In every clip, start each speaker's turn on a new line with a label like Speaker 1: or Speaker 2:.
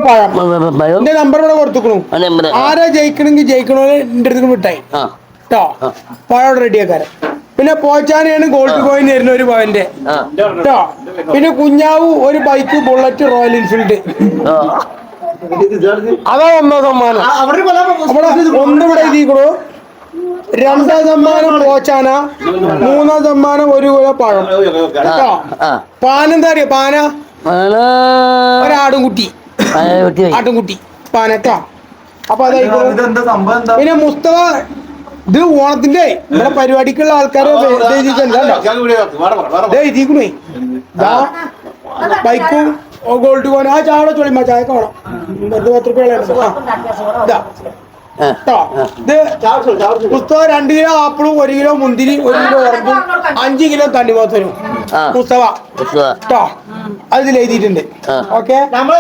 Speaker 1: എന്റെ നമ്പർ ഇവിടെ കൊടുത്തുക്കണു. ആരാ ജയിക്കണമെങ്കിൽ ജയിക്കണോന്ന് എന്റെ അടുത്ത് വിട്ടായി കേട്ടോ. പഴം റെഡിയാക്കാരൻ. പിന്നെ പോച്ചാനെയാണ് ഗോൾഡ് കോയിൻ തരുന്ന ഒരു പവന്റെ കേട്ടോ. പിന്നെ കുഞ്ഞാവു ഒരു ബൈക്ക് ബുള്ളറ്റ് റോയൽ എൻഫീൽഡ്. അതാ 1 സമ്മാനം. ഒന്നിവിടെ എഴുതിക്കണു. 2 സമ്മാനം പോച്ചാന, 3 സമ്മാനം 1 കിലോ പഴം കേട്ടോ. പാനെന്താ അറിയോ? പാന ഒരാടുംകുട്ടി, ആട്ടുംകുട്ടി പാനട്ടോ. അപ്പൊ അതായിക്കോളും. പിന്നെ മുസ്തഫ ഇത് ഓണത്തിന്റെ ഇവിടെ പരിപാടിക്കുള്ള ആൾക്കാരെ എഴുതിക്കണേ. ബൈക്കും ഗോൾഡ് കോയിൻ. ആ ചാവട ചൊളിമ ചായക്ക് വേണം. 10 രൂപ ഇത് മുസ്തഫ 2 കിലോ ആപ്പിളും 1 കിലോ മുന്തിരി 1 കിലോ ഉറപ്പും 5 കിലോ തണ്ണിമത്തനും മുസ്തഫ കേട്ടോ. അതിൽ എഴുതിയിട്ടുണ്ട്. ഓക്കെ.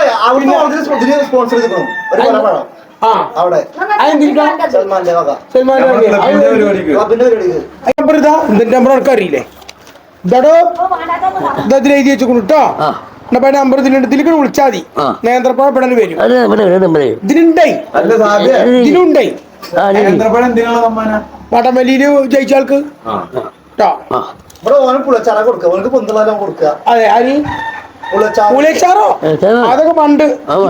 Speaker 1: നമ്പർ അറിയില്ലേ? ഇതോ ഇതിൽ എഴുതി വെച്ചു കേട്ടോ. നമ്പർ ഇതിലേക്ക് വിളിച്ചാൽ മതി. നേന്ത്രപ്പഴം പെടാൻ വരും. ഇതിലുണ്ടായി ഇതിലുണ്ടായി വടംവലിയില് ജയിച്ച ആൾക്ക് കേട്ടോ. അതെ ആര് പുളിയച്ചാറോ? അതൊക്കെ പണ്ട്.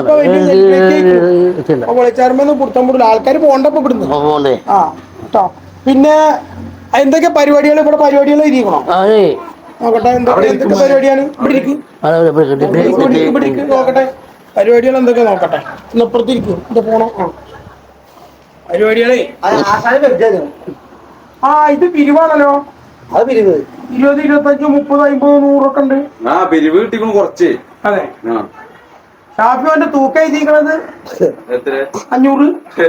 Speaker 1: പുളിയച്ചാറുമ്പോ പുറത്താൻ പോടില്ല. ആൾക്കാർ പോണ്ടപ്പോ ഇവിടുന്ന് ആ കേട്ടോ. പിന്നെ എന്തൊക്കെ പരിപാടികൾ ഇവിടെ പരിപാടികൾ ഇരിക്കണോ? നോക്കട്ടെ എന്തൊക്കെ പരിപാടിയാണ് ഇവിടെ ഇരിക്കും. നോക്കട്ടെ പരിപാടികൾ എന്തൊക്കെ നോക്കട്ടെ. ഇന്നപ്പുറത്തിരിക്കും. ഇത് പോണോ? പരിപാടികളെ ഇത് പിരിവാണല്ലോ. അത് പിരിവ് 20, 25, 30, 50, 100 ഒക്കെ ഉണ്ട്.
Speaker 2: പിരിവ് കിട്ടിക്കണു കുറച്ച്.
Speaker 1: അതെ. ഷാഫിന്റെ തൂക്കം എഴുതിക്കണത് 500.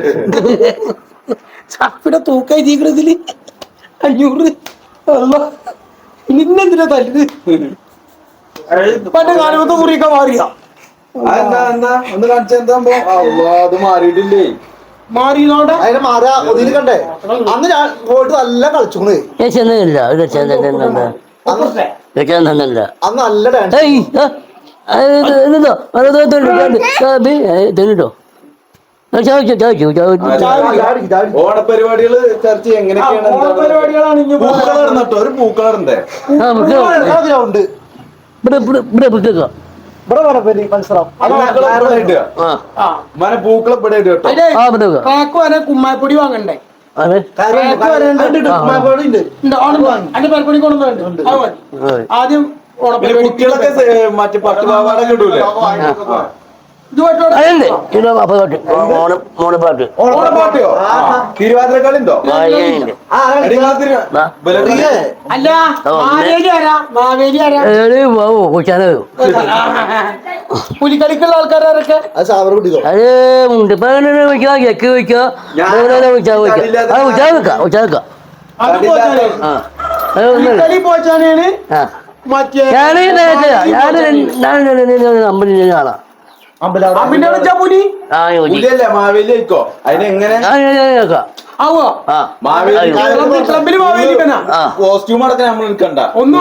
Speaker 1: ഷാഫിയുടെ തൂക്കം എഴുതിക്കണതില് 500. ഇന്നെന്തിനാ തല്ല്? പണ്ട് കാലമത്തെ കുറിയൊക്കെ മാറിയാ
Speaker 2: ഒന്ന് കാണിച്ചെന്താ അത് മാറിയിട്ടില്ലേ?
Speaker 1: മാറിയോടെ
Speaker 3: അതിനെ മാറാ ഒതില് കണ്ടേ. അന്ന് ഞാൻ പോയിട്ട് നല്ല കളിച്ചോണ്. അന്ന് നല്ല
Speaker 2: ഓണപരിപാടികള് ചർച്ച എങ്ങനെയൊക്കെയാണ്? ഒരു പൂക്കളറുണ്ട്.
Speaker 1: കുമ്മാപ്പൊടി വാങ്ങണ്ടേ? ആദ്യം
Speaker 2: കുട്ടികളൊക്കെ മറ്റേ പട്ടുപാവാടൊക്കെ ഇടൂലേ? തിരുവാതിരക്കളിണ്ടോ?
Speaker 1: അല്ല പുലിക്കളിക്കുള്ള ആൾക്കാരൊക്കെ പുലിക്കളി പോച്ചാനാണ്. മറ്റേ
Speaker 2: കാണാം മാവേലിക്കോ അതിനെങ്ങനെ കോസ്റ്റ്യൂം അടക്കം നമ്മൾ എടുക്കണ്ട.
Speaker 1: ഒന്നും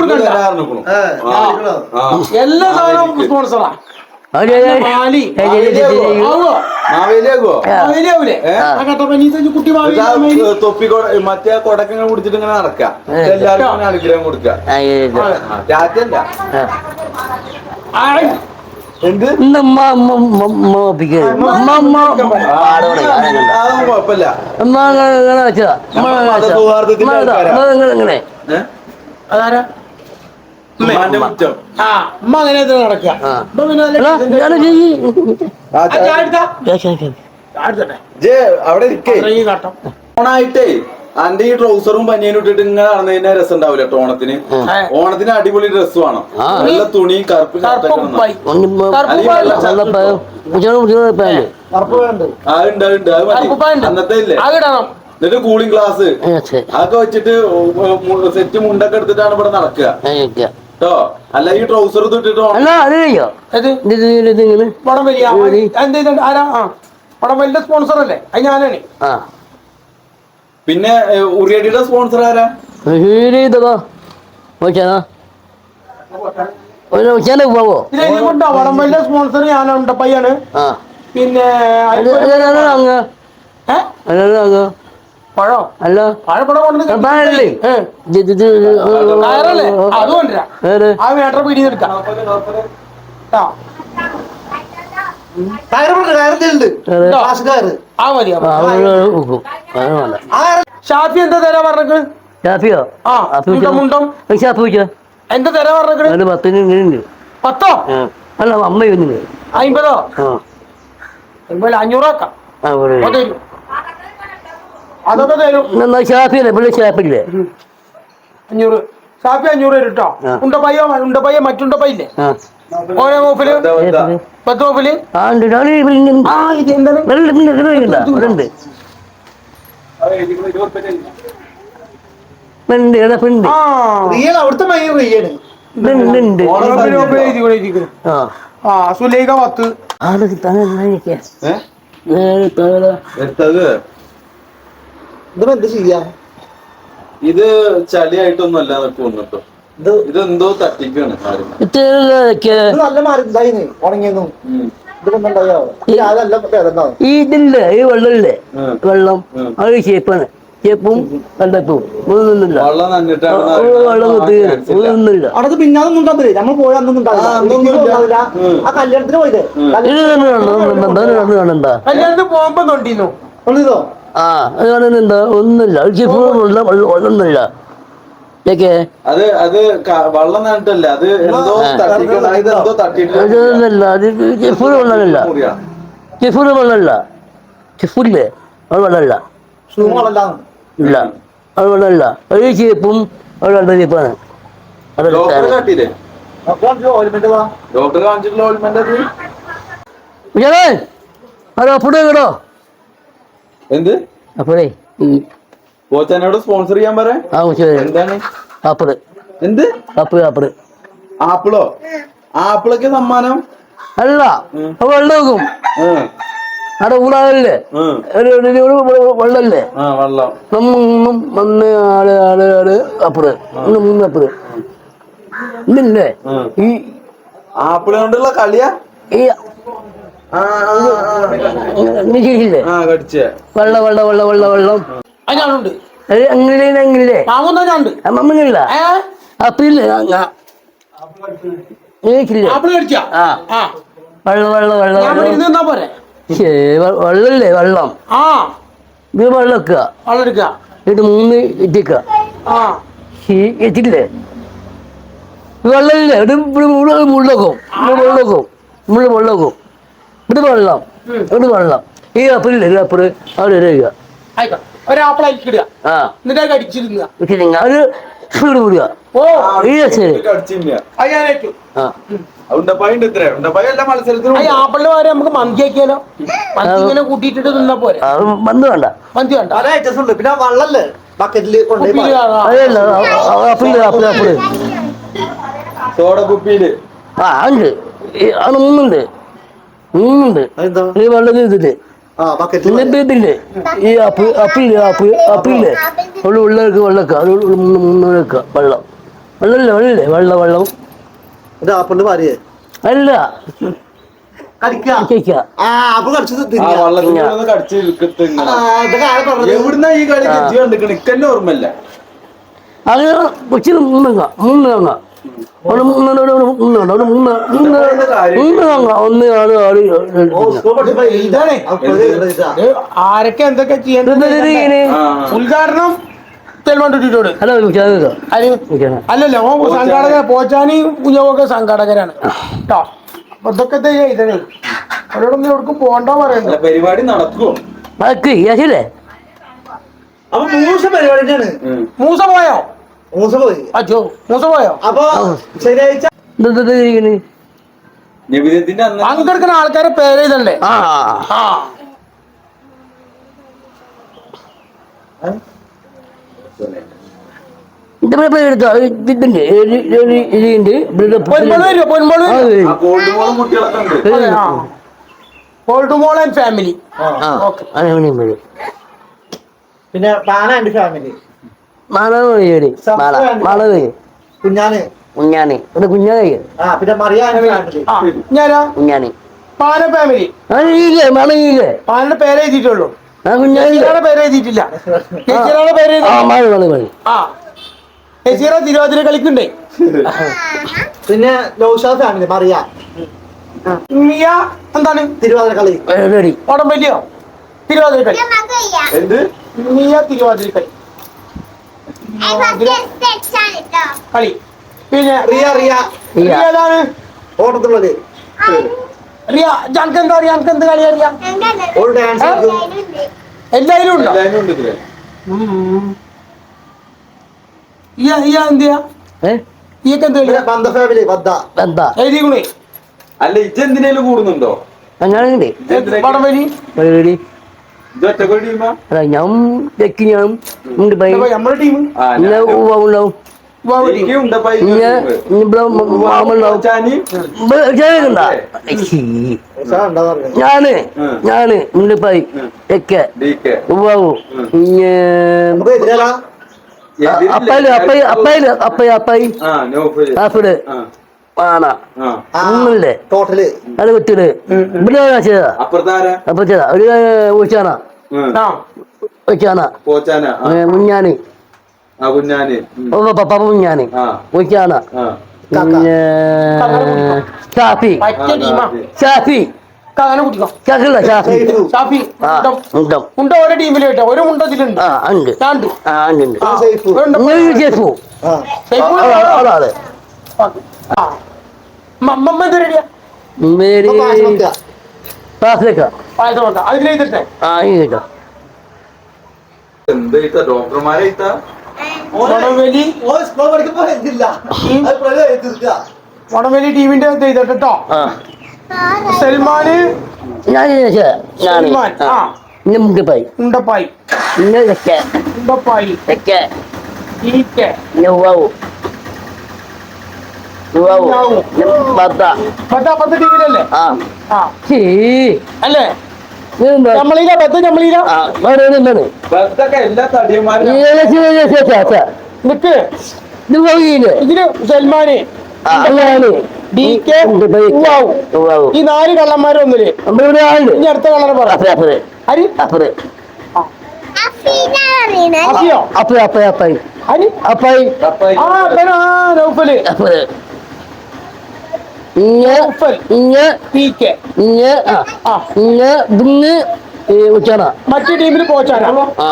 Speaker 1: എല്ലാ സാധനവും സ്പോൺസറാ.
Speaker 2: തൊപ്പി മറ്റേ കൊടക്കങ്ങൾ കുടിച്ചിട്ട് ഇങ്ങനെ നടക്കാം. എല്ലാവർക്കും അനുഗ്രഹം കൊടുക്കുക. എന്ത് കുഴപ്പമില്ല.
Speaker 1: അതാരാ അമ്മ അങ്ങനെ നടക്കുക.
Speaker 2: അവിടെ ഓണായിട്ടേ അന്റെ ഈ ട്രൗസറും പനിയനും ഇട്ടിട്ട് ഇങ്ങനെ നടന്നതിന്റെ രസം ഉണ്ടാവില്ല. ഓണത്തിന് ഓണത്തിന് അടിപൊളി ഡ്രസ് വേണം. നല്ല തുണി കറുപ്പ് അന്നത്തെ ഇല്ലേ. എന്നിട്ട് കൂളിംഗ് ഗ്ലാസ് അതൊക്കെ വെച്ചിട്ട് സെറ്റ് മുണ്ടൊക്കെ എടുത്തിട്ടാണ് ഇവിടെ നടക്കുക കേട്ടോ. അല്ല ഈ ട്രൗസർ ഇട്ടിട്ടോ
Speaker 1: സ്പോൺസർ അല്ലേ? അത് ഞാനാണ്.
Speaker 2: പിന്നെ ഉറിയടിയുടെ സ്പോൺസർ ആരാ?
Speaker 1: വടംവലിയുടെ സ്പോൺസർ ഞാനുണ്ട് പയ്യാണ്. പിന്നെ
Speaker 4: അങ്ങ്
Speaker 1: ഏ?
Speaker 4: അങ്ങ്
Speaker 1: പഴോ
Speaker 4: അല്ല
Speaker 1: പഴപ്പഴം കൊണ്ടുവന്ന്
Speaker 4: പാടല്ലേ
Speaker 1: കയറല്ലേ അത് കൊണ്ടുവരാം ആ മേട്ടർ പിടിയിൽ എടുക്കാം ആ
Speaker 3: കയറുണ്ട് ക്ലാസ് കയറ്
Speaker 1: ആ മതി
Speaker 4: വേണ്ട
Speaker 1: ഷാഫി എന്താ തരാ പറഞ്ഞത്
Speaker 4: ഷാഫിയോ
Speaker 1: ആ മുണ്ടം മുണ്ടം
Speaker 4: ഷാഫി വെച്ചോ
Speaker 1: എന്താ തരാ പറഞ്ഞത്
Speaker 4: അതിന് 10 ഇങ്ങനെ
Speaker 1: 10
Speaker 4: അല്ല 50
Speaker 1: 50
Speaker 4: ആ
Speaker 1: 500 ആക്കാം
Speaker 4: ആ
Speaker 1: അത് തരും അതൊക്കെ തരും
Speaker 4: എന്നാ ഷാഫിയല്ലേ പുള്ളി ഷാഫില്ലേ
Speaker 1: 500 ഷാഫി 500 തരും കേട്ടോ
Speaker 4: ആ.
Speaker 1: ഉണ്ടപ്പയ്യ മറ്റുണ്ടപ്പയില്ലേ
Speaker 4: ആ
Speaker 1: ഓരോ മൂപ്പില് 10 മൂപ്പില്
Speaker 4: ആ ഉണ്ട് ഉണ്ട്
Speaker 1: ആ ഇത് എന്താണ്
Speaker 4: ഉണ്ട് ഉണ്ട്
Speaker 1: ആ
Speaker 3: റിയൽ അവിടുത്തെ മൈൻ റിയാണ്
Speaker 4: ഉണ്ട് ആ
Speaker 1: ആ സുലൈഖ 10
Speaker 4: ആടെ തന്നെ
Speaker 2: എടുത്തത്
Speaker 3: ഇതിപ്പോ എന്ത് ചെയ്യാ
Speaker 2: ഇത് ചളിയായിട്ടൊന്നുമല്ല തോന്നിട്ടോ
Speaker 3: ഇത്
Speaker 2: ഇതെന്തോ തട്ടിക്കാണ് ആരും
Speaker 3: ഇത് നല്ല മാറി ഇതായിന്ന് ഉണങ്ങിയെന്നും ഇതിപ്പോ അതല്ല ഭേദണ്ടാവും
Speaker 4: ഇതില്ലേ ഈ വെള്ളമില്ലേ
Speaker 2: ഉം.
Speaker 4: വെള്ളം
Speaker 2: ഉം.
Speaker 4: അത് ഷേപ്പാണ് ഷേപ്പും കണ്ടെത്തും ഒന്നുമില്ല
Speaker 2: വെള്ളം നന്നിട്ടാണ്
Speaker 4: വെള്ളം ഒന്നുമില്ല
Speaker 3: അവിടെ പിന്നാതൊന്നും ഉണ്ടാവില്ലേ നമ്മൾ പോയ അന്നൊന്നും ഉണ്ടാവില്ല
Speaker 2: ആ, അന്നൊന്നും
Speaker 3: ഇടുക്കിക്ക്
Speaker 2: ഇല്ല.
Speaker 3: ഉണ്ടാവില്ല.
Speaker 2: ഉം.
Speaker 3: ആ കല്യാണത്തിന് പോയില്ലേ
Speaker 4: ഇത് തന്നെ കാണണ്ട
Speaker 1: കല്യാണത്തിന് പോകുമ്പോ തൊണ്ടിന്നു
Speaker 3: ഉള്ളിതോ
Speaker 4: ആ അത് കാണുന്നുണ്ട് ഒന്നുമില്ല അത് ഷേപ്പും ഒന്നുമില്ല ഏക്കെ
Speaker 2: അത് വെള്ളം നന്നിട്ടല്ല അത് എന്തോ തട്ടിക്കണം ഇത് എന്തോ തട്ടിട്ട്
Speaker 4: അതൊന്നുമില്ല അത് ഷെഫൂര് വെള്ളമില്ല
Speaker 2: മുറിയാണ്
Speaker 4: ഷെഫൂര് വെള്ളമില്ല ഷെഫൂരില്ലേ അത് വെള്ളമില്ല
Speaker 3: ഷൂമളല്ലാന്ന്
Speaker 4: ഇല്ല അത് വെള്ളമില്ല അത് ഷേപ്പും അത് രണ്ട് ഷേപ്പാണ് അത്
Speaker 2: ഡോക്ടറെ കാട്ടിയില്ലേ
Speaker 3: ഓയിൽമെന്റ് വാ
Speaker 2: ഡോക്ടർ കാണിച്ചിട്ടുള്ള ഓൾമെന്റ് അത്
Speaker 4: ഉജാലേ അത് അപ്പുറേ കേട്ടോ
Speaker 2: എന്ത്
Speaker 4: അപ്പുറേ
Speaker 2: കോച്ചനോട് സ്പോൺസർ ചെയ്യാൻ പറയാ
Speaker 4: ആ
Speaker 2: എന്താണ്
Speaker 4: അപ്പുറേ
Speaker 2: എന്ത്
Speaker 4: അപ്പുറേ
Speaker 2: ആപ്പിളോ ആപ്പിളൊക്കെ സമ്മാനം
Speaker 4: അല്ല അത് വെള്ളം വെക്കും
Speaker 2: ഉം.
Speaker 4: അവിടെ ഊടാകല്ലേ
Speaker 2: ഉം.
Speaker 4: വെള്ളല്ലേ
Speaker 2: ആ വെള്ളം
Speaker 4: നമ്മ ഒന്ന് ആള് അപ്പുറേ മൂന്ന് അപ്പുറേ ഇല്ലേ
Speaker 2: ഉം.
Speaker 4: ഈ
Speaker 2: ആപ്പിള് കൊണ്ടുള്ള കളിയാ
Speaker 4: ഈ
Speaker 2: ആ, ആ, ആ.
Speaker 4: നീ ശരിയില്ലേ
Speaker 2: ആ കടിച്ചേ
Speaker 4: വെള്ളം
Speaker 1: അത് ഞാനുണ്ട്
Speaker 4: അത് അങ്ങനെ
Speaker 1: മാമൂന്നാ ഞാനുണ്ട്
Speaker 4: അമ്മങ്ങില്ല അപ്പില്ലേ നീക്കില്ലേ
Speaker 1: ആപ്പിള് കടിച്ചാ
Speaker 4: ആ
Speaker 1: ആ
Speaker 4: വെള്ളം
Speaker 1: ഞാൻ ഇവിടെ ഇരുന്ന് നിന്നാ പോരെ
Speaker 4: വെള്ളല്ലേ വെള്ളം
Speaker 1: ആ
Speaker 4: ഇത് വെള്ളം വെക്കുക
Speaker 1: വെള്ളം എടുക്കുക
Speaker 4: ഇത് 3 ഇട്ടിക്കുക
Speaker 1: ആ
Speaker 4: എത്തില്ലേ വെള്ളമില്ലേ ഇത് മുള്ളക്കും ഇത് വെള്ളം ഈ അപ്പിളില്ലേ ഇത് അപ്പുറം അവിടെ ഇടുക
Speaker 1: ആയിക്കോട്ടെ ഒരാപ്പിൾ അയക്കിടുക
Speaker 4: ആ
Speaker 1: എന്നിട്ട് അത് കടിച്ചിരുന്ന
Speaker 4: അത് സ്പീഡ് വിടുക
Speaker 1: ഓ
Speaker 4: ഈ ശരി
Speaker 2: കടിച്ചില്ല
Speaker 1: അത് ഞാൻ ഏറ്റു
Speaker 4: ആ
Speaker 2: ഉണ്ടപ്പായുണ്ട് ഇത്ര ഉണ്ടപ്പായ എല്ലാ മത്സരത്തിലും
Speaker 1: ആ ആപ്പിളിന്റെ പകരം നമുക്ക് മന്തി ആക്കിയാലോ മന്തി ഇങ്ങനെ കൂട്ടിയിട്ടിട്ട് നിന്നാ പോരെ
Speaker 4: അത് വന്ന് വേണ്ട
Speaker 1: മന്തി വേണ്ട
Speaker 3: പല ഐറ്റംസ് ഉണ്ട് പിന്നെ വള്ളല്ലേ ബക്കറ്റില് കൊണ്ടുപോയി
Speaker 1: കുപ്പിയില്
Speaker 3: പാരും.
Speaker 4: അതല്ല അപ്പിള്
Speaker 2: സോഡ കുപ്പിയില്
Speaker 4: ആ ഉണ്ട് അത് മൂന്നുണ്ട്
Speaker 3: അതെന്താ
Speaker 4: ഈ വെള്ളം ഇതില്ലേ
Speaker 3: ആ ബക്കറ്റിൽ
Speaker 4: ഇതില്ലേ ഈ അപ്പില്ലേ ഉള്ളവർക്ക് വെള്ളക്ക അത് മൂന്ന് വെക്കുക വെള്ളം
Speaker 3: ഒരു ആപ്പിളിന്റെ ഭാര്യയെ
Speaker 4: അല്ല
Speaker 3: കടിക്കുക
Speaker 4: കേക്ക
Speaker 3: ആ ആപ്പിൾ കടിച്ചത്
Speaker 2: ആ
Speaker 3: തിന്നുക.
Speaker 2: വള്ളത്തിലൊന്ന് കടിച്ച് ഇരിക്കത്ത് ഇങ്ങനെ.
Speaker 3: ആ, ഇതൊക്കെ ആരാ പറഞ്ഞത്?
Speaker 2: എവിടുന്നാ ഈ കളി കെജി കണ്ടിക്കണ ഇക്കന്നെ ഓർമ്മല്ല
Speaker 4: അത് കൊച്ചിന് മൂന്ന് തങ്ങ ഒന്ന് ആറ് ആറ്
Speaker 3: ഓ, സ്കൂൾ പഠിച്ചപ്പോ
Speaker 1: ഇതാണേ.
Speaker 3: അപ്പോൾ ഇത്
Speaker 1: ഇത് ആരൊക്കെ എന്തൊക്കെ ചെയ്യേണ്ടത് ഉദ്ഘാടനം തെൽവണ്ടിട്ടോട്
Speaker 4: ഹലോ
Speaker 1: അല്ലല്ല ഓ സംഘാടക പോച്ചാനി കുഞ്ഞവൊക്കെ സംഘാടകരാണ് കേട്ടോ അപ്പൊ ഇതൊക്കെ ഇതേ അവരോടൊന്നും എവിടേക്കും പോകണ്ടോ പറയണ്ട
Speaker 2: അല്ല, പരിപാടി നടക്കുവോ
Speaker 4: യാശില്ലേ
Speaker 3: അപ്പൊ മൂസ പരിപാടി തന്നെയാണ്
Speaker 1: മൂസ പോയോ
Speaker 3: മൂസ പോയി
Speaker 1: അച്ഛോ മൂസ പോയോ
Speaker 3: അപ്പൊ ശനിയാഴ്ച
Speaker 2: നബിദിനത്തിന്റെ അന്ന്
Speaker 1: പങ്കെടുക്കുന്ന ആൾക്കാരെ പേര് ഇതല്ലേ
Speaker 4: ആ
Speaker 1: ആ
Speaker 4: എടുത്തോ ഇതിന്റെ ഇതിന്റെ
Speaker 1: പൊന്മോള് വരുമോ പൊന്മോള്
Speaker 2: ആ ഗോൾഡ് മോളും കുട്ടികളൊക്കെ ഉണ്ട്
Speaker 1: അതെ ആ ഗോൾഡുമോൾ ആൻഡ് ഫാമിലി ഓക്കെ
Speaker 3: പിന്നെ പാന എന്റെ ഫാമിലി
Speaker 4: കുഞ്ഞാണി
Speaker 3: കുഞ്ഞാന്
Speaker 4: കുഞ്ഞാണി
Speaker 3: ആ പിന്നെ മറിയ എന്റെ ഫാമിലി
Speaker 1: ആ ഞാനാ
Speaker 4: കുഞ്ഞാണി
Speaker 1: പാന ഫാമിലി
Speaker 4: ഇല്ലേ മണയില്ലേ
Speaker 1: പാനയുടെ പേര് എഴുതിയിട്ടുള്ളൂ
Speaker 4: ആ കുഞ്ഞാനില്ലേ
Speaker 1: ജസീറയുടെ പേര് എഴുതിയിട്ടില്ല ജസീറയുടെ പേര്
Speaker 4: ആ മണി മണി മണി
Speaker 1: ആ ജസീറ തിരുവാതിര കളിക്കണ്ടേ
Speaker 3: പിന്നെ നൗഷാദ് ഫാമിലി മറിയ
Speaker 1: മിയ എന്താണ്
Speaker 3: തിരുവാതിര കളി
Speaker 4: റെഡി
Speaker 1: ഓടംപല്ലിയോ തിരുവാതിര കളി
Speaker 2: എന്ത്
Speaker 1: മിയ തിരുവാതിര കളി കളി പിന്നെ
Speaker 3: റിയ റിയ
Speaker 1: റിയ ഏതാണ്
Speaker 3: ഓട്ടത്തുള്ളത്
Speaker 1: റിയ ജനക്ക് എന്താ അറിയാം എനിക്ക് എന്ത് കളി അറിയാം
Speaker 3: ഓൾ ഡാൻസ്
Speaker 1: എല്ലാവരും ഉണ്ടോ
Speaker 2: എല്ലാവരും ഉണ്ട് ഇതില്
Speaker 1: ഇയ എന്ത് ചെയ്യാ ഈയൊക്കെ എന്ത് കളിയാ
Speaker 3: ബന്ധ ഫാമിലി ബദ്ധ
Speaker 4: എന്താ
Speaker 1: എഴുതിക്കണേ
Speaker 2: അല്ല ഇജ്ജ് എന്തിനേലും കൂടുന്നുണ്ടോ
Speaker 4: ഞാനുണ്ട്
Speaker 1: വടംവലി
Speaker 4: റെഡി
Speaker 2: ഇത് ഒറ്റ ടീമാ
Speaker 4: അല്ല ഞാൻ തെക്കി ഞാൻ ഉണ്ട് പൈ
Speaker 1: നമ്മുടെ ടീം
Speaker 4: ഇന്ന ഉണ്ടാവും
Speaker 2: എനിക്ക് ഉണ്ടപ്പാ
Speaker 4: ഇന്ന ഇവിടെ മാമുണ്ടാവും ഞാന് ഉണ്ട് പൈ തെക്കെ ഉവ്വാവും
Speaker 3: നമുക്ക് എതിരല്ല
Speaker 4: അപ്പായി ആപ്പിട് ആണ ഒന്നുമില്ലേ
Speaker 3: ടോട്ടല്
Speaker 4: അത് കുത്തിട് ഇവിടെ ചെയ്താ
Speaker 2: അപ്പുറത്താരാ
Speaker 4: അപ്പൊ ചെയ്താ ഒരു ഊച്ചാന
Speaker 2: പോച്ചാന
Speaker 4: മുഞ്ഞാന്
Speaker 2: കുഞ്ഞാന്
Speaker 4: പപ്പ മുഞ്ഞാന്
Speaker 2: ആ
Speaker 4: ഊച്ചാന
Speaker 2: ആ
Speaker 4: പിന്നെ ഷാഫി
Speaker 1: പറ്റിയ ടീമാ
Speaker 4: ഷാഫി
Speaker 1: അങ്ങനെ കുട്ടിക്കോ
Speaker 4: ഷാഫില്ല ഷാഫി
Speaker 1: ഷാഫി
Speaker 4: ആ ഉണ്ടം
Speaker 1: മുണ്ട ഓരോ ടീമിൽ കേട്ടോ ഒരു മുണ്ടത്തിലുണ്ട്
Speaker 4: ആ ഉണ്ട്
Speaker 1: ഞാൻ ഉണ്ട്.
Speaker 4: ആ ഉണ്ട്
Speaker 1: ആ,
Speaker 3: സേഫ്.
Speaker 1: ഒരു ഉണ്ട്.
Speaker 4: ഷെഫു
Speaker 3: ആ
Speaker 1: സൈഫു
Speaker 4: അതെ
Speaker 1: ആ. മമ്മ ഇത് റെഡിയാ
Speaker 4: മേരി
Speaker 3: ഇപ്പൊ പായസം വെക്കുക.
Speaker 4: ക്ലാസ്സിലേക്കാ
Speaker 1: പായസം വെക്കാം അതിലെഴുതിട്ടെ
Speaker 4: ആ ഈ കേട്ടോ
Speaker 2: എന്ത് ഇത്ത ഡോക്ടർമാരെ ഇത്ത
Speaker 1: വടംവലി
Speaker 3: ഓ സ്കൂൾ പഠിക്കുമ്പോ എഴുതില്ല അത് പ്രളയം എഴുതില്ല
Speaker 1: വടംവലി ടീമിന്റെ ഇത് ചെയ്തിട്ട് കേട്ടോ
Speaker 4: ആ
Speaker 1: സൽമാന്
Speaker 4: ഞാൻ
Speaker 1: സൽമാൻ ആ
Speaker 4: ഇന്ന മുണ്ടിപ്പായി
Speaker 1: ഉണ്ടപ്പായി
Speaker 4: ഇന്ന തെക്കെ
Speaker 1: ഉണ്ടപ്പായി
Speaker 4: തെക്കെ
Speaker 1: ഈക്കെ
Speaker 4: ഇന്ന ഉവാവു ഉവാവു ബത്ത
Speaker 1: അപ്പുറത്തെ ടീമിലല്ലേ
Speaker 4: ആ
Speaker 1: ആ
Speaker 4: ചീ
Speaker 1: അല്ലേ
Speaker 4: ഇതെന്താ
Speaker 1: നമ്മളീല ബദ്ധ നമ്മളീല
Speaker 4: ആ വേറെ എന്താണ്
Speaker 2: ബർത്തൊക്കെ എല്ലാ തടിയന്മാരും
Speaker 1: നിക്ക്
Speaker 4: ഇത് പോയില്ലേ
Speaker 1: ഇതില് സൽമാന്
Speaker 4: ആ അങ്ങനെ
Speaker 1: ഡി കെ ഉവാവു.
Speaker 4: ഉവാവു
Speaker 1: ഈ 4 കള്ളന്മാരും ഒന്നില്
Speaker 4: നമ്മളിവിടെ ആളുണ്ട്
Speaker 1: ഇനി അടുത്ത കളർ പറ
Speaker 4: അപ്പേ അപ്പേ
Speaker 1: ഹരി
Speaker 4: അപ്പേ
Speaker 1: അസിയോ
Speaker 4: അപ്പേ അപ്പേ അപ്പേ
Speaker 1: ഹരി
Speaker 4: അപ്പായി
Speaker 1: ആ അപ്പനോ ആ നൗഫല്
Speaker 4: അപ്പേ ഇങ്ങ
Speaker 1: നൗഫൽ
Speaker 4: ഇങ്ങ
Speaker 1: പി കെ
Speaker 4: ഇങ്ങ ആ
Speaker 1: ആ
Speaker 4: ഇങ്ങ ഇതിന്ന് ഉച്ചാന
Speaker 1: മറ്റു ടീമിൽ പോച്ചാന
Speaker 4: ആ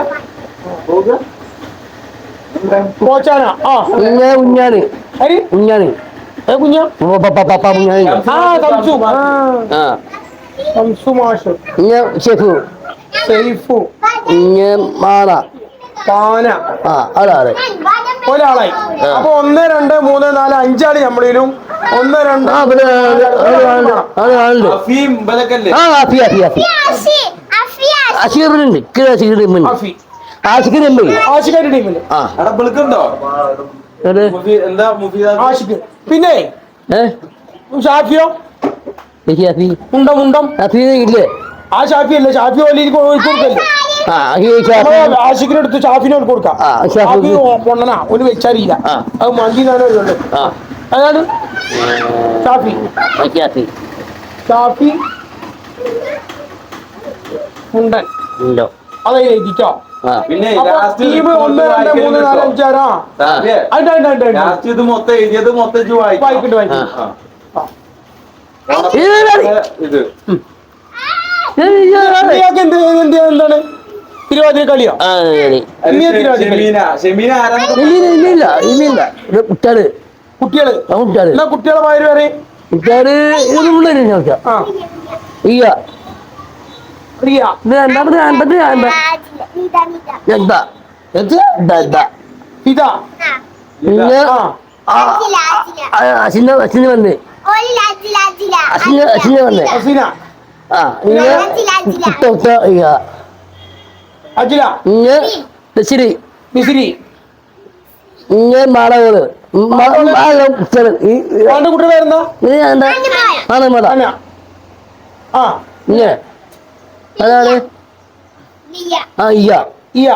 Speaker 1: പോച്ചാന ആ
Speaker 4: ഇങ്ങ ഉഞ്ഞാന്
Speaker 1: ഹരി
Speaker 4: ഉഞ്ഞാന്
Speaker 1: ഏ കുഞ്ഞ
Speaker 4: പപ്പ ഉഞ്ഞാന്
Speaker 1: ആ തംസു
Speaker 4: ആ
Speaker 1: തംസു മാഷ്
Speaker 4: ഇങ്ങ ഷെഫു
Speaker 1: സൈഫു
Speaker 4: ഇങ്ങ മാറ
Speaker 1: പാന
Speaker 4: ആ അതാണ്
Speaker 1: ഒരാളായി അപ്പൊ 1 2 3 4 5 നമ്മളിലും 1 2
Speaker 4: ആ പിന്നെ ആളുണ്ട്
Speaker 2: അഫീം ഇവരൊക്കെ അല്ലേ
Speaker 4: ആ അഫി അഫി അഫി അഷീറിനുണ്ട് കിഴ അഷീറിന്
Speaker 1: അഫി
Speaker 4: ആഷിഖിനുണ്ട്
Speaker 1: ആഷിഖിന്റെ ടീമില്
Speaker 4: ആ
Speaker 2: അവിടെ വിളിക്കുന്നുണ്ടോ
Speaker 4: എവിടെ
Speaker 2: എന്താ മുഫീദ
Speaker 1: ആഷിഖ് പിന്നെ ഷാഫിയോ
Speaker 4: അഫി
Speaker 1: മുണ്ടം മുണ്ടം
Speaker 4: അഫി ഇല്ലേ
Speaker 1: ആ ഷാഫി അല്ലേ ഷാഫി ഓലി കൊടുക്കല്ലേ
Speaker 4: ആ ഈ ഷാഫി
Speaker 1: ആഷിഖിനെ എടുത്ത് ഷാഫിനോട് കൊടുക്കാം
Speaker 4: ആ, ഷാഫി.
Speaker 1: ഷാഫി പൊണ്ണനാ ഒരു വെച്ചറിയില്ല
Speaker 4: ആ.
Speaker 1: അത് മന്തി നാനോ ഉള്ളു
Speaker 4: ആ
Speaker 1: അതാണ് ഷാഫി
Speaker 4: ഷാഫി
Speaker 1: ഷാഫി മുണ്ടൻ
Speaker 4: ഉണ്ടോ
Speaker 1: അതെ എഴുതിട്ടോ
Speaker 4: ആ
Speaker 2: പിന്നെ
Speaker 1: അപ്പൊ ടീം 1 2 3 4 5 6 ഉണ്ട്
Speaker 2: ലാസ്റ്റ് ഇത് മൊത്തം എഴുതിയത് മൊത്തം ഇജ്ജ്
Speaker 1: വായിക്കട്ടെ വായിക്കട്ടെ
Speaker 2: ആ.
Speaker 4: ഇത്
Speaker 2: ഇത്
Speaker 1: ഇയാൾക്ക് എന്താണ് തിരുവാതിര കളിയോ
Speaker 4: ആ ശരി
Speaker 1: ഇനി തിരുവാതിര കളി
Speaker 2: ഷെമീന ആരാണ്
Speaker 4: ഇല്ലില്ല ഇത് കുട്ടാട്
Speaker 1: കുട്ടികള്
Speaker 4: ആ കുട്ടാട്
Speaker 1: എന്നാ കുട്ടികളെ മാര് വരെ
Speaker 4: കുട്ടാട് ഇത് മുള്ളേരി ചോദിച്ചാ
Speaker 1: ആ
Speaker 4: ഇയ്യ
Speaker 1: റിയ
Speaker 4: ഇത് രണ്ടാമത് എന്താ എന്താ
Speaker 1: ഇതാ
Speaker 4: പിന്നെ
Speaker 1: ആ
Speaker 4: അച്ഛനെ വന്ന് അച്ഛനെ വന്ന്
Speaker 1: അസീന
Speaker 4: ആ കുട്ട ഇയ്യ
Speaker 1: അജില
Speaker 4: ശരി
Speaker 1: മിസിരി
Speaker 4: ഇങ്ങനെ മാളകള്
Speaker 1: അവന്റെ കുട്ടിയുടെ പേരെന്താ
Speaker 4: ആണ് മത
Speaker 1: അന ആ
Speaker 4: ഇങ്ങനെ അതാണ് ആ ഇയ്യ
Speaker 1: ഇയ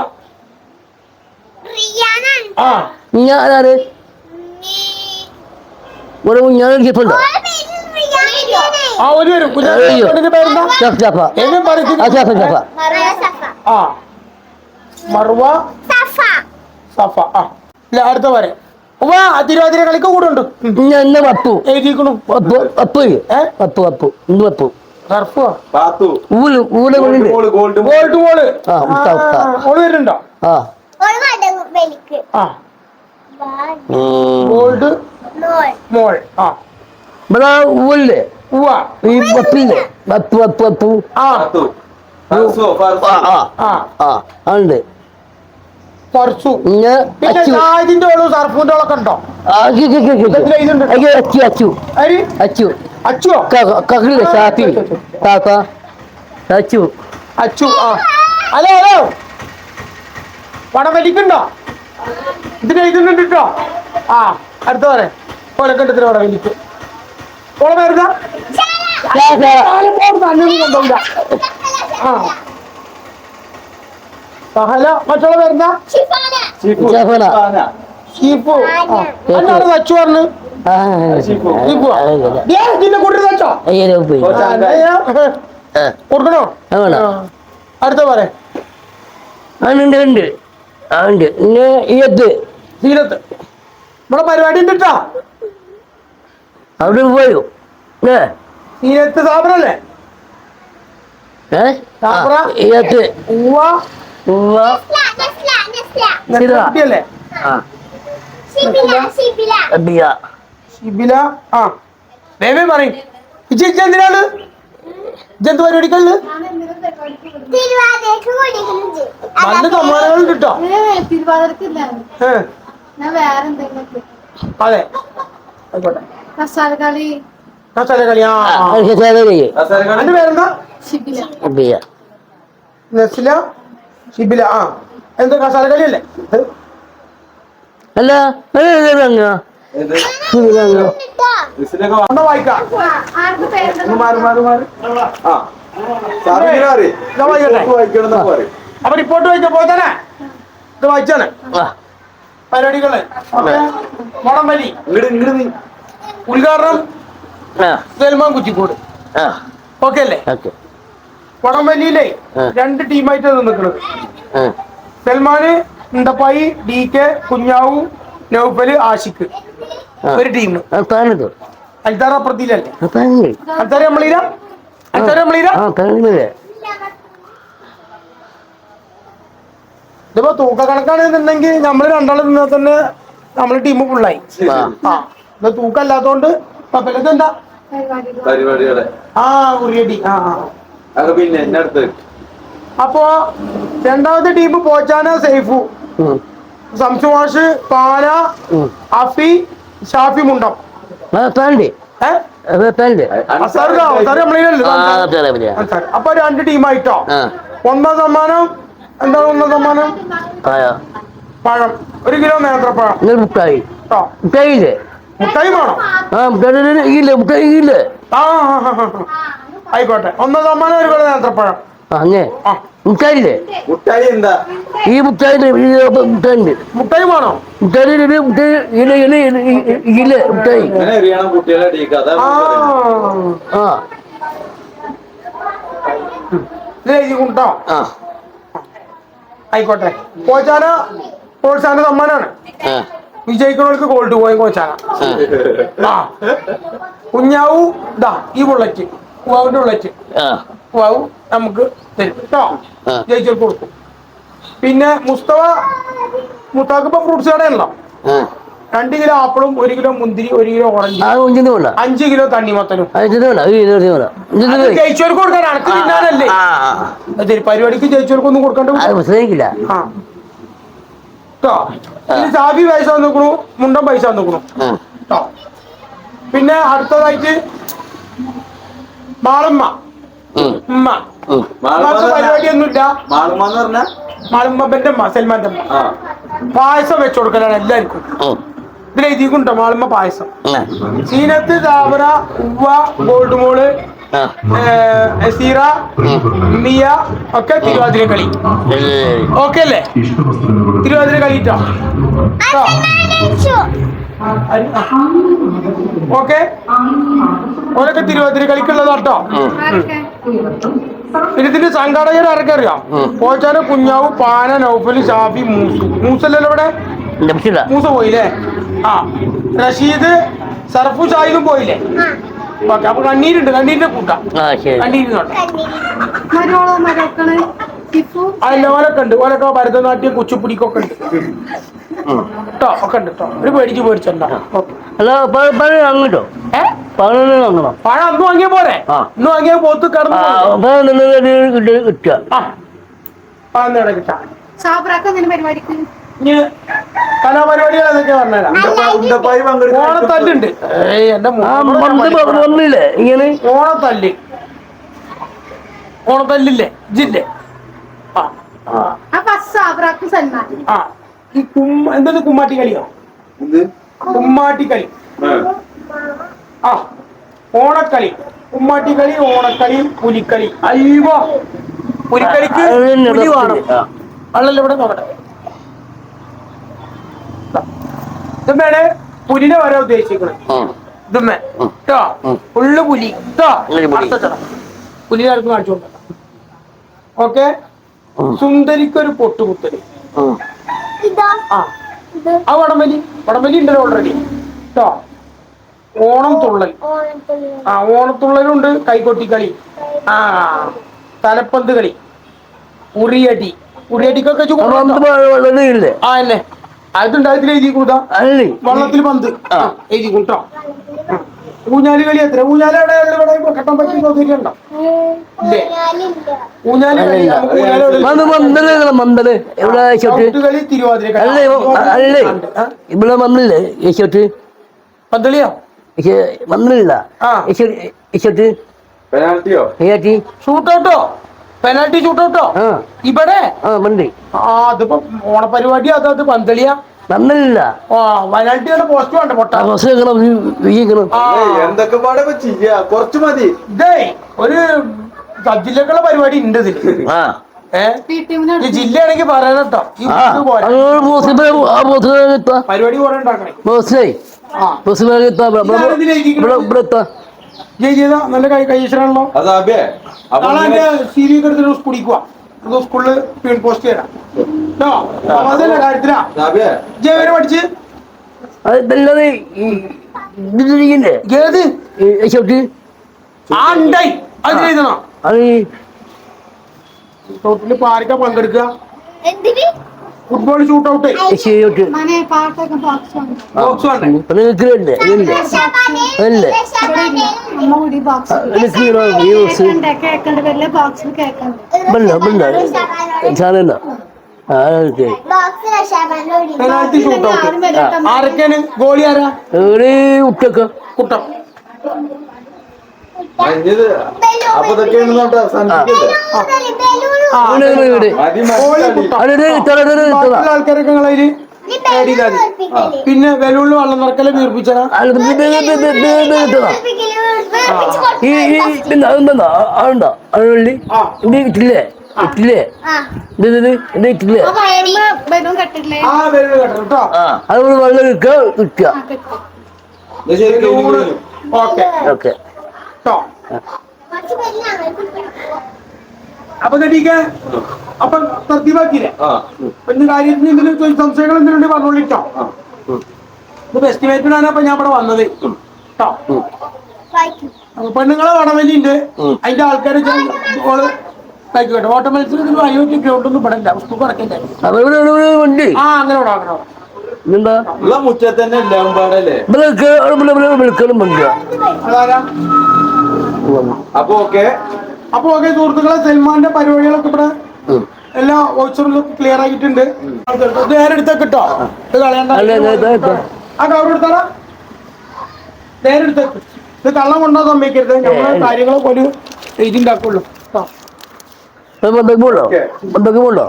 Speaker 1: ആ
Speaker 4: ഇങ്ങ അതാണ് ഒരു കുഞ്ഞാണ് ഷിപ്പുണ്ടോ
Speaker 1: ആ ഒരു വരും കുഞ്ഞാവിന്റെ പേരെന്താ എന്നെ പറയുന്നത് ആ മറുവ സഫ ആ ഇല്ല അടുത്ത വരെ ഉവ്വാ തിരുവാതിര കളിക്ക് കൂടെ ഉണ്ട്
Speaker 4: എന്നെ പപ്പു
Speaker 1: എഴുതിക്കണു
Speaker 4: പപ്പു പപ്പു പപ്പു ഇന്ന് പപ്പു
Speaker 1: സർഫോ
Speaker 2: പാത്തു
Speaker 4: ഊല് ഊല് കൊണ്ടുണ്ട്
Speaker 2: ഗോൾഡ്
Speaker 1: ഗോൾഡ് മോള്
Speaker 4: ആ ഉത്ത ഉത്ത
Speaker 1: മോള് വരുന്നുണ്ടോ
Speaker 4: ആ
Speaker 1: ആ ഗോൾഡ് മോൾ ആ
Speaker 4: ഇവിടെ ഊല്ലേ
Speaker 1: ഉവ്വ
Speaker 4: ഈ പപ്പില്ലേ പപ്പു പപ്പു പപ്പു
Speaker 1: ആ
Speaker 2: പാത്തു ഫർസു
Speaker 4: ആ ആ
Speaker 1: ആ
Speaker 4: ആ ഉണ്ട്
Speaker 1: പർസു
Speaker 4: പിന്നെ
Speaker 1: പിന്നെ
Speaker 4: അച്ചു
Speaker 1: ഷാജിന്റെ ഓളും സർഫിന്റെ ഓളൊക്കെ ഉണ്ടോ
Speaker 4: അച്ചു അച്ചു
Speaker 1: അരി
Speaker 4: അച്ചു
Speaker 1: അച്ചുവോ
Speaker 4: കക്കില്ലേ ഷാപ്പി കാക്ക അച്ചു
Speaker 1: അച്ചു ആ ഹലോ ഹലോ പണം വലിക്കുണ്ടോ ഇതിന് എഴുതുന്നുണ്ട് കേട്ടോ ആ അടുത്ത പറയാം കൊലക്കണ്ടത്തിന് പടം വലിക്കും ഓളെ പേരുതാ കൊണ്ടുപോകില്ല ആ സഹല മറ്റുള്ള പേരുതാ
Speaker 4: ജഫന
Speaker 1: ഷീപ്പു എന്നാണ് തച്ചു പറഞ്ഞു ഇതിന്റെ കൂട്ടി തച്ചോ
Speaker 4: പോയി
Speaker 1: കൊടുക്കണോ അടുത്ത പറയാം
Speaker 4: ഉണ്ട് ഉണ്ട് ആ ഉണ്ട് പിന്നെ ഈയത്ത്
Speaker 1: സീലത്ത് ഇവിടെ പരിപാടി ഉണ്ട് കേട്ടോ
Speaker 4: അവിടെ പോയോ ഏ
Speaker 1: സീലത്ത് സാബറല്ലേ സാബറ
Speaker 4: ഈയത്ത്
Speaker 1: ഉവ്വ
Speaker 4: ഉവ്വ
Speaker 1: കുട്ടിയല്ലേ
Speaker 4: ആ അബിയ
Speaker 1: ഷിബില ആ വേവേ പറയും എന്തിനാണ് ഇജെന്ത് പരിപാടിക്കല്ല് നല്ല സമ്മാനങ്ങൾ കിട്ടോ അതെ ആയിക്കോട്ടെ
Speaker 5: മസാലകളി
Speaker 1: മസാല കളി ആ എന്റെ പേരെന്താ
Speaker 4: അബിയ
Speaker 1: നസ്ല ഷിബില ആ എന്താ കസാല കളി അല്ലേ
Speaker 4: അല്ല
Speaker 1: വായിക്കാം അപ്പൊ റിപ്പോർട്ട് വായിച്ച പോതന്നെ ഇത് വായിച്ചാണ് പരിപാടികള് മോടം വലി ഉദ്ഘാടനം സൽമാൻ കുറ്റിക്കോട് ഓക്കെ അല്ലേ വടംവലിയിലെ 2 ടീമായിട്ട് നിൽക്കുന്നത് സൽമാന് ഉണ്ടപ്പായി ഡി കെ കുഞ്ഞാവു നൗഫല് ആഷിഖ് ഒരു ടീം അൽത്താറ അപ്പുറത്തിലല്ലേ അൽത്താറ നമ്മളീര ഇതിപ്പോ തൂക്ക കണക്കാണെന്നുണ്ടെങ്കിൽ നമ്മള് രണ്ടാളും നിന്നാൽ തന്നെ നമ്മളെ ടീം ഫുള്ളായി ആ ഇത് തൂക്കം അല്ലാത്തോണ്ട് എന്താ
Speaker 2: പരിപാടികളെ
Speaker 1: ആ ഉറിയടി ആ
Speaker 2: പിന്നെ എന്നെ അടുത്ത്
Speaker 1: അപ്പോ രണ്ടാമത്തെ ടീം പോച്ചാന സൈഫു സംസുവാഷ് പാല അഫി ഷാഫി മുണ്ടം അപ്പൊ 2 ടീമായിട്ടോ ഒന്നാം സമ്മാനം എന്താണ് ഒന്നാം സമ്മാനം പഴം 1 കിലോ നേന്ത്രപ്പഴം മുട്ടായി വേണോ ആ ആയിക്കോട്ടെ ഒന്നാം സമ്മാനം 1 കിലോ നേന്ത്രപ്പഴം
Speaker 4: മുട്ടായില്ലേ
Speaker 2: മുട്ടായി എന്താ
Speaker 4: ഈ മുട്ടായി
Speaker 1: മുട്ടായി വേണോ
Speaker 4: മുട്ടായി മുട്ടായി
Speaker 2: ഇങ്ങനെ എറിയണം കുട്ടികളെ ടീക്ക് അതാ
Speaker 4: ആ
Speaker 1: കൊണ്ടോ ആയിക്കോട്ടെ കോച്ചാന പ്രോത്സാഹന സമ്മാനാണ് വിജയിക്കുന്നവർക്ക് ഗോൾഡ് പോയി കോച്ചാന കുഞ്ഞാവു ഇതാ ഈ ബുള്ളറ്റ് കുവാവിന്റെ ബുള്ളറ്റ് കുവാവു നമുക്ക് തരും കേട്ടോ ജയിച്ചവർക്ക് കൊടുക്കും പിന്നെ മുസ്താഖിപ്പോ ഫ്രൂട്ട്സ് കടയാണല്ലോ 2 കിലോ ആപ്പിളും 1 കിലോ മുന്തിരി 1 കിലോ ഓറഞ്ച് 5 കിലോ തണ്ണിമത്തനും ജയിച്ചവർക്ക് കൊടുക്കാൻ അനക്ക് തിന്നാനല്ലേ പരിപാടിക്ക് ജയിച്ചവർക്കൊന്നും കൊടുക്കണ്ട കേട്ടോ സാബി പൈസ നോക്കണു മുണ്ടൻ പൈസ നോക്കണു കേട്ടോ പിന്നെ അടുത്തതായിട്ട് മാളമ്മ ഉമ്മ പരിപാടിയൊന്നുമില്ല മാളുമ്മന്റെ അമ്മ സൽമാന്റെ അമ്മ പായസം വെച്ചു കൊടുക്കലാണ് എല്ലാവർക്കും ഇതിലെഴുതിക്കുണ്ടോ മാളുമ്മ പായസം സീനത്ത് താവറ ഉവ്വ ഗോൾഡ് മോള് സീറ മിയ ഒക്കെ തിരുവാതിര കളി ഓക്കെ അല്ലേ തിരുവാതിര കളിട്ടോ ഓക്കെ ഓരൊക്കെ തിരുവാതിര കളിക്കുള്ളതാട്ടോ. ഇതിന്റെ സംഘാടകർ ആരൊക്കെ അറിയാം? പോച്ചാന്, കുഞ്ഞാവ്, പാന, നൗഫല്, ഷാഫി, മൂസല്ലല്ലോ ഇവിടെ. മൂസ പോയില്ലേ? ആ റഷീദ്, സർഫു, ഷാഹിദും പോയില്ലേ? ഓക്കെ, അപ്പൊ കണ്ണീരുണ്ട്, കണ്ണീരിന്റെ കൂട്ടാം. കണ്ണീരുന്നോട്ടെ അല്ല, ഓലൊക്കെ ഉണ്ട്. ഓലൊക്കെ ഭരതനാട്യം, കുച്ചിപ്പുടിക്കൊക്കെ ഉണ്ട് കേട്ടോ. ഒക്കെ ഉണ്ട് കേട്ടോ. ഒരു പേടിച്ച് പേടിച്ചോ.
Speaker 4: അങ്ങോട്ടോ
Speaker 1: പഴം അന്ന് വാങ്ങിയ പോരെ? ഇന്ന് വാങ്ങിയ പോത്ത് കടന്നു
Speaker 4: കിട്ടുക.
Speaker 1: കിട്ടാം.
Speaker 5: പരിപാടിക്ക്
Speaker 1: ഇനി കലാപരിപാടികൾ അതൊക്കെ പറഞ്ഞുതരാം. ഓണത്തല്ലുണ്ട്. എന്റെ
Speaker 4: വന്നില്ലേ ഇങ്ങനെ
Speaker 1: ഓണത്തല്ല്, ഓണത്തല്ലില്ലേ ജില്ലേ? ആ ഈ എന്തത് കുമ്മാട്ടി കളിയോ? കുമ്മാട്ടി കളി. ആ ഓണക്കളി, കുമ്മാട്ടി കളി, ഓണക്കളി, പുലിക്കളി. അയ്യോ, പുലിക്കളിക്ക് പുലി വേണം. അല്ലല്ലോ ഇവിടെ നോക്കട്ടെ. ഇതുമ്മേണ് പുലിനെ വരാൻ ഉദ്ദേശിക്കുന്നത്. ഇതുമ്മേ കേട്ടോ, ഫുള്ള് പുലി കേട്ടോ. പുലിനെ ആർക്കും കാണിച്ചു കൊടുക്കണ്ട. ഓക്കെ, സുന്ദരിക്കൊരു പൊട്ടുകുത്തല്. ആ വടംവലി, വടംവലി ഉണ്ടല്ലോ ഓൾറെഡി കേട്ടോ. ഓണം തുള്ളൽ, ആ ഓണത്തുള്ളലുണ്ട്. കൈകൊട്ടിക്കളി, ആ തലപ്പന്ത് കളി, ഉറിയടി. ഉറിയടിക്കൊക്കെ
Speaker 4: ഇല്ലേ
Speaker 1: ആ അല്ലേ അതുണ്ടായതിൽ എഴുതി കൂട്ടാ. വള്ളത്തിൽ പന്ത് എഴുതി കൂട്ടോ. ഊഞ്ഞാല് കളി എത്ര? ഊഞ്ഞാല് അവിടെ ഇവിടെ കെട്ടാൻ പറ്റിയ സൗകര്യമുണ്ടോ? ഇല്ലേ? ഊഞ്ഞാല് കളി,
Speaker 4: മന്ദല് എവിടെ
Speaker 1: കളി, തിരുവാതിര
Speaker 4: അല്ലേ അല്ലേ ഇവിടെ വന്നില്ലേ യശോട്ട്
Speaker 1: പന്തളിയോ?
Speaker 4: വന്നില്ല
Speaker 2: പെനാൽറ്റിയോ?
Speaker 1: ഷൂട്ടൗട്ടോ? പെനാൽറ്റി ഷൂട്ടൗട്ടോ ഇവിടെ? അതിപ്പോ ഓണപരിപാടി അതത് പന്തളിയാ
Speaker 4: വന്നില്ല.
Speaker 1: പെനാൽറ്റിയുടെ പോസ്റ്റ് വേണ്ട പൊട്ടാ.
Speaker 2: എന്തൊക്കെ പാടെ ചെയ്യാ, കുറച്ച് മതി.
Speaker 1: ഇതേ ഒരു സബ് ജില്ലക്കുള്ള പരിപാടി ഉണ്ട് ഇതില്. ഈ ജില്ലയാണെങ്കിൽ പറയാനട്ടോ. പരിപാടി കുറെ ഉണ്ടാക്കണേ. നല്ല കൈശ്വരാണല്ലോ. നാളെ എന്റെ സി.വി. എടുത്തിട്ട് കുടിക്കുക. സ്കൂളില് പോസ്റ്റ് ചെയ്യാം കേട്ടോ. അതല്ല കാര്യത്തിലാ ജയവരെ പഠിച്ച് ഏത് ആ ഉണ്ടായി അത് എഴുതണോ? ടോട്ടല് ഇപ്പൊ ആർക്കാ പങ്കെടുക്കുക? ഫുട്ബോൾ ഷൂട്ട് ഔട്ട്, ബോക്സ് വേണ്ടേ? പെനാൽറ്റി ഷൂട്ട് ഔട്ട് ആരൊക്കെയാണ്? ഗോളി ആരാ? കുട്ടം.
Speaker 2: അപ്പൊ ഇതൊക്കെയാണ്
Speaker 1: ആൾക്കാരൊക്കെ നിങ്ങളതില് ആഡ് ചെയ്താൽ മതി. പിന്നെ വെല്ലുള്ളി വെള്ളം നിറക്കല് വീർപ്പിച്ചാ
Speaker 4: ഇട്ടില്ലേ ഇട്ടില്ലേ ഇട്ടില്ലേ
Speaker 1: ആ വെല്ലുള്ളി കെട്ടണം കേട്ടോ.
Speaker 4: അതുകൊണ്ട് വെള്ളം കിട്ടുക.
Speaker 1: ഓക്കെ
Speaker 4: ഓക്കെ
Speaker 1: കേട്ടോ. അപ്പൊ അപ്പൊ തർത്തീവാക്കിയില്ലേ? പിന്നെ കാര്യത്തിന് എന്തെങ്കിലും സംശയങ്ങൾ എന്തെങ്കിലും പറഞ്ഞോളിട്ടോ. ഇത് എസ്റ്റിമേറ്റിനാണ് അപ്പൊ ഞാൻ ഇവിടെ വന്നത് കേട്ടോ. അപ്പൊ പെണ്ണുങ്ങളെ വടവലി ഉണ്ട്, അതിന്റെ ആൾക്കാര് കഴിക്കട്ടെ. ഓട്ട മത്സരത്തിന് അയോധ്യ ഗ്രൗണ്ടൊന്നും ഇവിടെ ഇല്ല, സ്കൂൾ കിടക്കണ്ടേ. ആ അങ്ങനെ
Speaker 2: മുറ്റത്ത് തന്നെ എല്ലാം പാടല്ലേ.
Speaker 1: അതാരാ?
Speaker 2: അപ്പൊ ഓക്കെ
Speaker 1: സുഹൃത്തുക്കളെ, സൽമാന്റെ പരിപാടികളൊക്കെ ഇവിടെ എല്ലാ വോയിച്ചറിലും ക്ലിയർ ആയിട്ടുണ്ട്. നേരെ എടുത്തേക്ക് കേട്ടോ. ഇത് കളയണ്ട. ആ കവർ എടുത്താടാ, നേരെ എടുത്തേക്ക്. ഇത് കള്ളം കൊണ്ടോ സമ്മതിക്കരുത്. നമ്മള് കാര്യങ്ങളൊക്കെ ഒരു എഴുതി ഉണ്ടാക്കുള്ളൂ.
Speaker 4: ബന്ധക്കുമുണ്ടോ?